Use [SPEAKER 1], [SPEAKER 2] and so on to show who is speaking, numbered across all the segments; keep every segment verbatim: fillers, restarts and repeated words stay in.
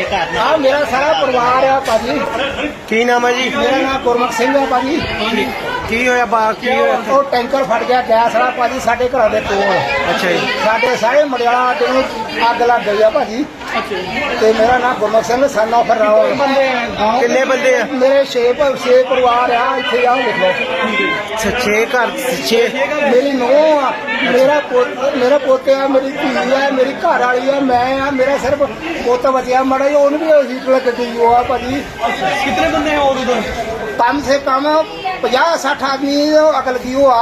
[SPEAKER 1] हाँ मेरा सारा परिवार है भाजी।
[SPEAKER 2] की नाम है जी?
[SPEAKER 1] मेरा नाम गुरमुख सिंह है भाजी।
[SPEAKER 2] की होया बा की होया?
[SPEAKER 1] ਉਹ ਟੈਂਕਰ ਫਟ ਗਿਆ ਗੈਸ ਵਾਲਾ ਭਾਜੀ ਸਾਡੇ ਘਰਾਂ ਦੇ ਕੋਲ।
[SPEAKER 2] ਅੱਛਾ ਜੀ।
[SPEAKER 1] ਸਾਡੇ ਸਾਰੇ ਮੜਿਆਲਾ ਅੱਡੇ ਨੂੰ ਅੱਗ ਲੱਗ ਗਈ ਆ ਭਾਜੀ। ਤੇ ਮੇਰਾ ਨਾਮ ਗੁਰਮੁਖ ਸਿੰਘ ਸਨ ਆਫ ਰਾਓ।
[SPEAKER 2] ਕਿੰਨੇ ਬੰਦੇ ਆ?
[SPEAKER 1] ਮੇਰੇ ਛੇ ਪ- ਛੇ ਪਰਿਵਾਰ ਆ ਇੱਥੇ ਆ ਲਿਖ ਲਓ।
[SPEAKER 2] ਛੇ ਘਰ ਛੇ
[SPEAKER 1] ਮੇਰੀ ਨੂੰਹ ਆ, ਮੇਰਾ ਪੁੱਤ ਮੇਰਾ ਪੋਤੇ ਆ, ਮੇਰੀ ਧੀ ਆ, ਮੇਰੀ ਘਰ ਵਾਲੀ ਆ, ਮੈਂ ਆ, ਮੇਰਾ ਸਿਰਫ ਪੁੱਤ ਬਚਿਆ ਮੜਾ ਜੀ, ਉਹਨੂੰ ਵੀ ਹੀਟ ਲੱਗ ਗਈ ਉਹ ਆ ਭਾਜੀ।
[SPEAKER 2] कितने बंदे हैं और उधर?
[SPEAKER 1] कम से कम ਪੰਜਾਹ ਸੱਠ ਆਦਮੀ ਅਕਲ ਕੀ ਉਹ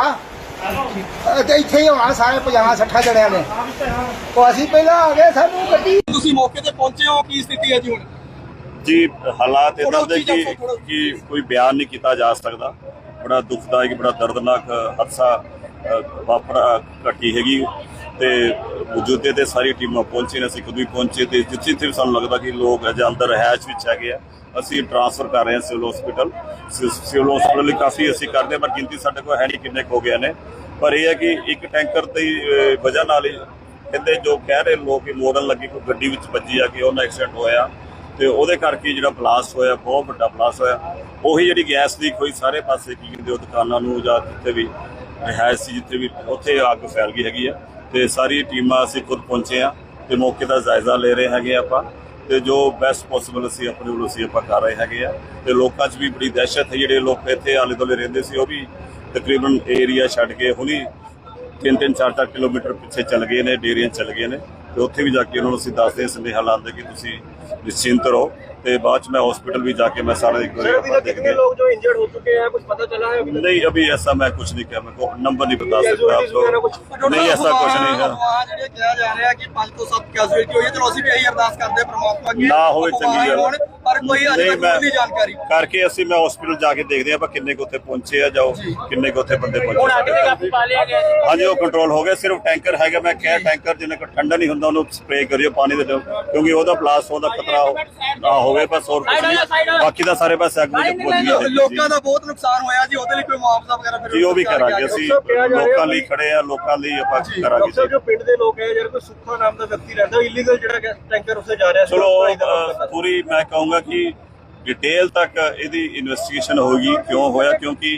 [SPEAKER 1] ਆ ਤੇ ਇੱਥੇ ਹੀ ਹੋਣਾ ਸਾਰੇ ਪੰਜਾਹ ਸੱਠ ਜਣਿਆਂ ਨੇ। ਉਹ ਅਸੀਂ ਪਹਿਲਾਂ ਆ ਗਏ, ਸਾਨੂੰ ਗੱਡੀ
[SPEAKER 3] ਤੁਸੀਂ ਮੌਕੇ ਤੇ ਪਹੁੰਚੇ ਹੋ, ਕੀ ਸਥਿਤੀ ਹੈ ਜੀ ਹੁਣ?
[SPEAKER 4] जी हालात इदां दे कि कि कोई बयान नहीं किया जा सकता। बड़ा दुखदायक बड़ा दर्दनाक हादसा वापरा घटी हैगी ते मौजूदे ते सारी टीमां पहुंची ने, असीं खुद भी पहुंचे ते जिथे जिथे भी सानूं लगदा कि लोग अजे अंदर रहायश विच हैगे आ, असीं ट्रांसफर कर रहे हैं सिविल हॉस्पिटल। सिविल हॉस्पिटल काफ़ी असीं करदे पर गिनती साडे कोल है नहीं किन्ने हो गए ने, पर यह है कि एक टैंकर की वजह नाल कहते जो कह रहे लोग कि मोरन लगी कोई गड्डी विच वजी आ कि उन्हें एक्सीडेंट होया ਤੇ ਉਹਦੇ ਕਰਕੇ ਜਿਹੜਾ ਬਲਾਸਟ ਹੋਇਆ ਬਹੁਤ ਵੱਡਾ ਬਲਾਸਟ ਹੋਇਆ। ਉਹੀ ਜਿਹੜੀ ਗੈਸ ਲੀਕ ਹੋਈ ਸਾਰੇ ਪਾਸੇ ਕੀ ਕਹਿੰਦੇ ਉਹ ਦੁਕਾਨਾਂ ਨੂੰ ਜਾਂ ਜਿੱਥੇ ਵੀ ਰਿਹਾਇਸ਼ ਸੀ ਜਿੱਥੇ ਵੀ ਉੱਥੇ ਅੱਗ ਫੈਲ ਗਈ ਹੈਗੀ ਆ। ਤੇ ਸਾਰੀ ਟੀਮਾਂ ਅਸੀਂ ਖੁਦ ਪਹੁੰਚੇ ਆ ਤੇ ਮੌਕੇ ਦਾ ਜਾਇਜ਼ਾ ਲੈ ਰਹੇ ਹੈਗੇ ਆਪਾਂ ਤੇ ਜੋ ਬੈਸਟ ਪੋਸੀਬਲ ਅਸੀਂ ਆਪਣੇ ਵੱਲੋਂ ਅਸੀਂ ਆਪਾਂ ਕਰ ਰਹੇ ਹੈਗੇ ਆ। ਤੇ ਲੋਕਾਂ 'ਚ ਵੀ ਬੜੀ ਦਹਿਸ਼ਤ ਹੈ, ਜਿਹੜੇ ਲੋਕ ਇੱਥੇ ਆਲੇ ਦੁਆਲੇ ਰਹਿੰਦੇ ਸੀ ਉਹ ਵੀ ਤਕਰੀਬਨ ਏਰੀਆ ਛੱਡ ਕੇ ਹੁਣੀ ਤਿੰਨ ਤਿੰਨ ਚਾਰ ਚਾਰ ਕਿਲੋਮੀਟਰ ਪਿੱਛੇ ਚੱਲ ਗਏ ਨੇ, ਡੇਰੀਆਂ ਚੱਲ ਗਏ ਨੇ ਤੇ ਉੱਥੇ ਵੀ ਜਾ ਕੇ ਉਹਨਾਂ ਨੂੰ ਅਸੀਂ ਦੱਸਦੇ ਸੰਦੇਹਾ ਲਾਉਂਦੇ ਕਿ ਤੁਸੀਂ निश्चिंत रहो। तो बाद में हॉस्पिटल भी जाके मैं सारा एक
[SPEAKER 3] कितने लोग जो इंजर्ड हो चुके हैं कुछ पता चला है?
[SPEAKER 4] नहीं अभी ऐसा मैं कुछ नहीं किया, मैं को नंबर नहीं बता सकता आप लोग। नहीं ऐसा कुछ नहीं है।
[SPEAKER 3] किया जा रहा है कि पांच तो सब कैजुअलिटी हुई है, चलो ਅਸੀਂ ਵੀ ਇਹੀ ਅਰਦਾਸ ਕਰਦੇ ਪ੍ਰਮਾਤਮਾ ਅੱਗੇ
[SPEAKER 4] ਨਾ ਹੋਵੇ ਚੰਗੀ ਗੱਲ,
[SPEAKER 3] ਪਰ ਕੋਈ ਅਜੇ ਤੱਕ ਨਹੀਂ ਜਾਣਕਾਰੀ
[SPEAKER 4] ਕਰਕੇ ਅਸੀਂ ਮੈਂ ਹਸਪੀਟਲ ਜਾ ਕੇ ਦੇਖਦੇ ਆਪਾਂ ਕਿੰਨੇ ਕੁ ਉੱਥੇ ਪਹੁੰਚੇ ਆ, ਜਾਓ ਕਿੰਨੇ ਕੁ ਉੱਥੇ ਬੰਦੇ ਪਹੁੰਚੇ।
[SPEAKER 3] ਹੁਣ ਅੱਗ ਤੇ ਕਾਬੂ ਪਾ ਲਿਆ ਗਿਆ ਜੀ?
[SPEAKER 4] ਹਾਂਜੀ ਉਹ ਕੰਟਰੋਲ ਹੋ ਗਿਆ। ਸਿਰਫ ਟੈਂਕਰ ਹੈਗਾ, ਮੈਂ ਕਿਹਾ ਟੈਂਕਰ ਜਿੰਨੇ ਕੋ ਠੰਡਾ ਨਹੀਂ ਹੁੰਦਾ ਉਹਨੂੰ ਸਪਰੇਅ ਕਰਿਓ ਪਾਣੀ ਦੇ ਦਿਓ, ਕਿਉਂਕਿ ਉਹਦਾ ਬਲਾਸਟ ਹੋਣ ਦਾ ਖਤਰਾ ਨਾ ਹੋਵੇ ਬਸ, ਹੋਰ ਕੁਝ ਨਹੀਂ। ਬਾਕੀ ਦਾ ਸਾਰੇ ਪਾਸੇ ਅੱਗ ਵਿੱਚ ਪਹੁੰਚ ਗਈ।
[SPEAKER 3] ਲੋਕਾਂ ਦਾ ਬਹੁਤ ਨੁਕਸਾਨ ਹੋਇਆ ਜੀ, ਉਹਦੇ ਲਈ ਕੋਈ ਮੁਆਵਜ਼ਾ ਵਗੈਰਾ ਫਿਰ
[SPEAKER 4] ਜੀ ਉਹ ਵੀ ਕਰਾਂਗੇ ਅਸੀਂ, ਲੋਕਾਂ ਲਈ ਖੜੇ ਆ, ਲੋਕਾਂ ਲਈ ਆਪਾਂ ਕਰਾਂਗੇ।
[SPEAKER 3] ਜੋ ਪਿੰਡ ਦੇ ਲੋਕ ਹੈ, ਜਿਹੜਾ ਕੋਈ ਸੁੱਖਾ ਨਾਮ ਦਾ ਵਿਅਕਤੀ ਰਹਿੰਦਾ ਇਲੀਗਲ ਜਿਹੜਾ ਟੈਂਕਰ ਉੱਥੇ ਜਾ ਰਿਹਾ ਸੀ,
[SPEAKER 4] ਚਲੋ ਪੂਰੀ ਮੈਂ ਕਹੂੰਗਾ ਕਿ ਡਿਟੇਲ ਤੱਕ ਇਹਦੀ ਇਨਵੈਸਟੀਗੇਸ਼ਨ ਹੋਗੀ ਕਿਉਂ ਹੋਇਆ, ਕਿਉਂਕਿ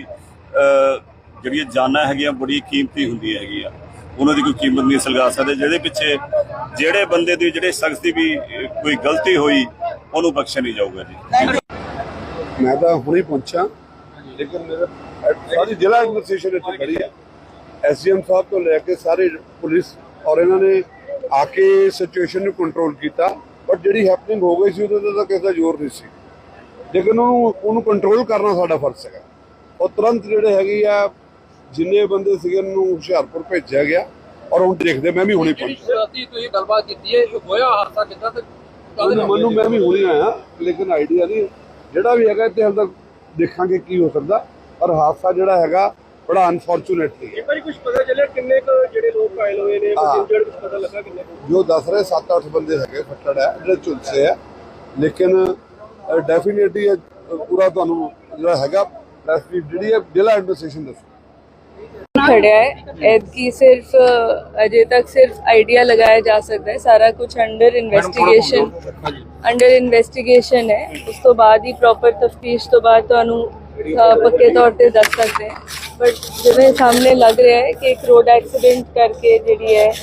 [SPEAKER 4] ਜਿਹੜੀਆਂ ਜਾਨਾਂ ਹੈਗੀਆਂ ਬੜੀ ਕੀਮਤੀ ਹੁੰਦੀਆਂ ਹੈਗੀਆਂ, ਉਹਨਾਂ ਦੀ ਕੋਈ ਕੀਮਤ ਨਹੀਂ ਸਲਗਾ ਸਕਦੇ। ਜਿਹੜੇ ਪਿੱਛੇ ਜਿਹੜੇ ਬੰਦੇ ਦੀ ਜਿਹੜੇ ਸ਼ਖਸ ਦੀ ਵੀ ਕੋਈ ਗਲਤੀ ਹੋਈ ਉਹਨੂੰ ਬਖਸ਼ਿਆ ਨਹੀਂ ਜਾਊਗਾ ਜੀ।
[SPEAKER 5] मैं तो हुणे पहुंचा, लेकिन मेरे सारी जिला एडमिनिस्ट्रेशन इतनी खड़ी है, एस डी एम साहब तो लैके सारे पुलिस और इन्होंने आके सिचुएशन को कंट्रोल किया, बट जी हैपनिंग हो गई सी उहदे ते किसी का जोर नहीं सी, लेकिन उन्होंने कंट्रोल करना साडा फर्ज है। और तुरंत जिहड़े हैगे आ जिन्ने बंदे सीगे उन्होंने हुशियारपुर भेजा गया और हुण देखदे मैं भी हुणे पहुंचा।
[SPEAKER 3] ਤੁਸੀਂ ਗੱਲਬਾਤ ਕੀਤੀ ਹੈ ਹੋਇਆ ਹਾਦਸਾ ਕਿੱਦਾਂ ਤੇ
[SPEAKER 5] ਮੈਨੂੰ ਮੈਂ ਵੀ ਹੁਣੇ ਆਇਆ, ਲੇਕਿਨ ਆਈਡੀਆ ਨਹੀਂ ਜਿਹੜਾ ਵੀ ਹੈਗਾ ਇੱਥੇ ਹਾਲੇ ਤੱਕ ਦੇਖਾਂਗੇ ਕੀ ਹੋ ਸਕਦਾ। ਔਰ ਹਾਦਸਾ ਜਿਹੜਾ ਹੈਗਾ ਬੜਾ ਅਨਫੋਰਚੂਨੇਟਲੀ ਹੈ।
[SPEAKER 3] ਇੱਕ ਵਾਰੀ ਕੁਝ ਪਤਾ ਚੱਲਿਆ ਕਿੰਨੇ ਕੁ ਜਿਹੜੇ ਲੋਕ ਘਾਇਲ ਹੋਏ ਨੇ, ਕੁਝ ਇੰਜਰਡ ਕੁਝ ਪਤਾ ਲੱਗਾ ਕਿੰਨੇ ਕੁ?
[SPEAKER 5] ਜੋ ਦੱਸ ਰਹੇ ਸੱਤ ਅੱਠ ਬੰਦੇ ਹੈਗੇ ਫੱਟੜ ਹੈ, ਜਿਹੜੇ ਝੁਲਸੇ ਹੈ, ਲੇਕਿਨ ਡੈਫੀਨੇਟਲੀ ਪੂਰਾ ਤੁਹਾਨੂੰ ਜਿਹੜਾ ਹੈਗਾ ਜਿਹੜੀ ਹੈ ਜ਼ਿਲ੍ਹਾ ਐਡਮਿਨਿਸਟ੍ਰੇਸ਼ਨ ਦੱਸੋ।
[SPEAKER 6] खड़ा है की सिर्फ अजय तक सिर्फ आइडिया लगाया जा सकता है, सारा कुछ अंडर इन्वेस्टिगेशन अंडर इन्वेस्टिगेशन है। उस तो बाद ही प्रॉपर तफ्तीश तो बाद तो पक्के तौर पे दस सकते हैं, बट जिवें सामने लग रहा है कि एक रोड एक्सीडेंट करके जी है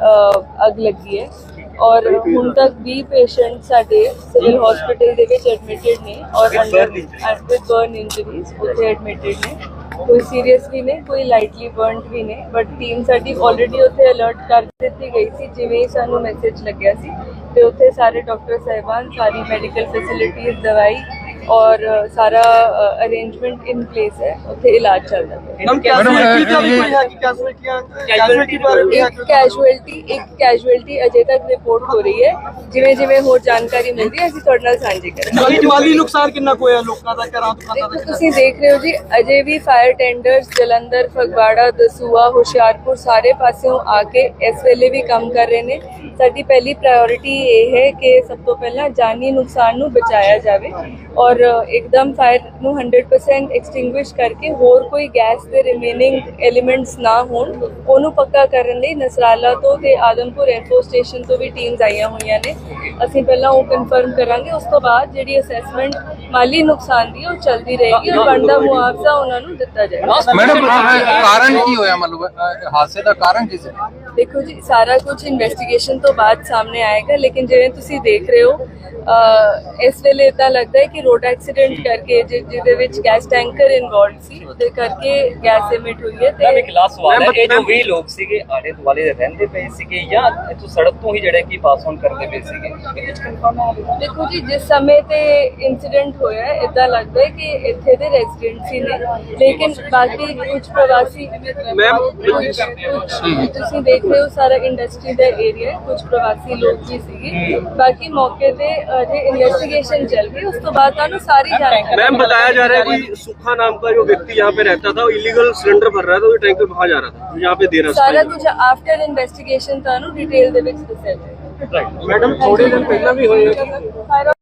[SPEAKER 6] अग लगी है और ਹੁਣ तक बीस पेशेंट साडे सिविल हॉस्पिटल ਦੇ ਵਿੱਚ एडमिटेड ने और अंडर विद बर्न इंजरीज उत्थे एडमिटेड ने। कोई सीरीयस भी नहीं, कोई लाइटली बर्नड भी नहीं, बट टीम साडी ऑलरेडी उत्थे अलर्ट कर ਦਿੱਤੀ गई थी जिवें ही सानू मैसेज लग्या सी ते उत्थे सारे डॉक्टर साहिबान सारी मैडिकल फैसिलिटीज दवाई और सारा अरेंजमेंट इन प्लेस है, उत्थे इलाज चल रहा है। कैजुअलिटी एक कैजुअलिटी अजे तक रिपोर्ट हो रही है, जिवें जिवें होर जानकारी मिलदी है ਅਸੀਂ ਤੁਹਾਡੇ ਨਾਲ ਸਾਂਝੀ ਕਰਾਂਗੇ।
[SPEAKER 3] ਮਾਲੀ ਨੁਕਸਾਨ ਕਿੰਨਾ ਹੋਇਆ ਲੋਕਾਂ ਦਾ, ਘਰਾਂ ਦੁਕਾਨਾਂ ਦਾ?
[SPEAKER 6] ਤੁਸੀਂ ਦੇਖ ਰਹੇ ਹੋ ਜੀ, ਅਜੇ ਵੀ ਫਾਇਰ ਟੈਂਡਰਸ ਜਲੰਧਰ, ਫਗਵਾੜਾ, ਦਸੂਆ, ਹੁਸ਼ਿਆਰਪੁਰ ਸਾਰੇ ਪਾਸਿਓਂ ਆ ਕੇ ਇਸ ਵੇਲੇ ਵੀ ਕੰਮ ਕਰ ਰਹੇ ਨੇ। ਸਾਡੀ ਪਹਿਲੀ ਪ੍ਰਾਇੋਰਿਟੀ ਇਹ ਹੈ ਕਿ ਸਭ ਤੋਂ ਪਹਿਲਾਂ ਜਾਨੀ ਨੁਕਸਾਨ ਨੂੰ ਬਚਾਇਆ ਜਾਵੇ ਔਰ ਔਰ ਇੱਕਦਮ ਫਾਇਰ ਨੂੰ one hundred percent ਐਕਸਟਿੰਗੁਇਸ਼ ਕਰਕੇ ਹੋਰ ਕੋਈ ਗੈਸ ਦੇ ਰਿਮੇਨਿੰਗ ਐਲੀਮੈਂਟਸ ਨਾ ਹੋਣ ਉਹਨੂੰ ਪੱਕਾ ਕਰਨ ਲਈ ਨਸਰਾਲਾ ਤੋਂ ਤੇ ਆਦਮਪੁਰ 에ਅਰਫੋਰਸ ਸਟੇਸ਼ਨ ਤੋਂ ਵੀ ਟੀਮਸ ਆਈਆਂ ਹੋਈਆਂ ਨੇ। ਅਸੀਂ ਪਹਿਲਾਂ ਉਹ ਕਨਫਰਮ ਕਰਾਂਗੇ, ਉਸ ਤੋਂ ਬਾਅਦ ਜਿਹੜੀ ਅਸੈਸਮੈਂਟ ਮਾਲੀ ਨੁਕਸਾਨ ਦੀ ਉਹ ਚੱਲਦੀ ਰਹੇਗੀ ਔਰ ਬਣਦਾ ਮੁਆਵਜ਼ਾ ਉਹਨਾਂ ਨੂੰ ਦਿੱਤਾ ਜਾਏਗਾ।
[SPEAKER 7] ਮੈਡਮ ਕਾਰਨ ਕੀ ਹੋਇਆ, ਮਤਲਬ ਹਾਦਸੇ ਦਾ ਕਾਰਨ ਕੀ ਸੀ?
[SPEAKER 6] ਦੇਖੋ ਜੀ, ਸਾਰਾ ਕੁਝ ਇਨਵੈਸਟੀਗੇਸ਼ਨ ਤੋਂ ਬਾਅਦ ਸਾਹਮਣੇ ਆਏਗਾ, ਲੇਕਿਨ ਜਿਵੇਂ ਤੁਸੀਂ ਦੇਖ ਰਹੇ ਹੋ ਅਹ ਇਸ ਵੇਲੇ ਇਦਾਂ ਲੱਗਦਾ ਹੈ ਕਿ ਰੋਡ ਐਕਸੀਡੈਂਟ ਕਰਕੇ ਜਿ- ਜਿਹਦੇ ਵਿੱਚ ਗੈਸ ਟੈਂਕਰ ਇਨਵੋਲਡ ਸੀ ਉਹਦੇ ਕਰਕੇ ਗੈਸ ਐਮਿਟ ਹੋਈ ਹੈ
[SPEAKER 8] ਮੈਮ ਇੱਕ
[SPEAKER 6] ਤੇ
[SPEAKER 8] ਲਾਸਟ ਸਵਾਲ ਹੈ, ਇਹ ਜੋ ਵੀਹ ਲੋਕ ਸੀਗੇ ਆਲੇ ਦੁਆਲੇ ਦੇ ਰਹਿੰਦੇ ਪਏ ਸੀਗੇ ਜਾਂ ਇੱਥੋਂ ਸੜਕ ਤੋਂ ਹੀ ਜਿਹੜੇ ਕਿ ਪਾਸ ਆਨ ਕਰਦੇ ਪਏ ਸੀਗੇ, ਇਹਦੇ ਵਿੱਚ ਕਨਫਰਮ ਹੈ?
[SPEAKER 6] ਦੇਖੋ ਜੀ, ਜਿਸ ਸਮੇਂ ਤੇ ਇੰਸੀਡੈਂਟ ਹੋਇਆ ਹੈ ਇਦਾਂ ਲੱਗਦਾ ਹੈ ਕਿ ਇੱਥੇ ਦੇ ਰੈਜ਼ੀਡੈਂਟ ਸੀ ਨੇ, ਲੇਕਿਨ ਬਾਕੀ ਕੁਝ ਪ੍ਰਵਾਸੀ ਮੈਮ ਤੁਸੀਂ ਦੇਖ ਰਹੇ ਹੋ ਸਾਰਾ ਇੰਡਸਟਰੀ ਦਾ ਏਰੀਆ ਹੈ, ਕੁਝ ਪ੍ਰਵਾਸੀ ਲੋਕ ਵੀ ਸੀਗੇ। ਬਾਕੀ ਮੌਕੇ ਤੇ ਅਜੇ ਇन्वेस्टिगेशन चल रही है, उस तो बाद ਤੁਹਾਨੂੰ ਸਾਰੀ जानकारी।
[SPEAKER 9] मैम बताया जा रहा है कोई सुखा नाम का जो व्यक्ति यहाँ पे रहता था, इलीगल सिलेंडर भर रहा था, वो टैंकर वहाँ जा रहा था, यहाँ पे दे रहा था।
[SPEAKER 6] ਸਾਰਾ ਕੁਝ ਆਫਟਰ ਇਨਵੈਸਟੀਗੇਸ਼ਨ ਤੁਹਾਨੂੰ ਡਿਟੇਲ ਦੇ ਵਿੱਚ ਦੱਸਿਆ ਜਾਏਗਾ।
[SPEAKER 9] मैडम थोड़े दिन पहला भी हुए
[SPEAKER 6] फायर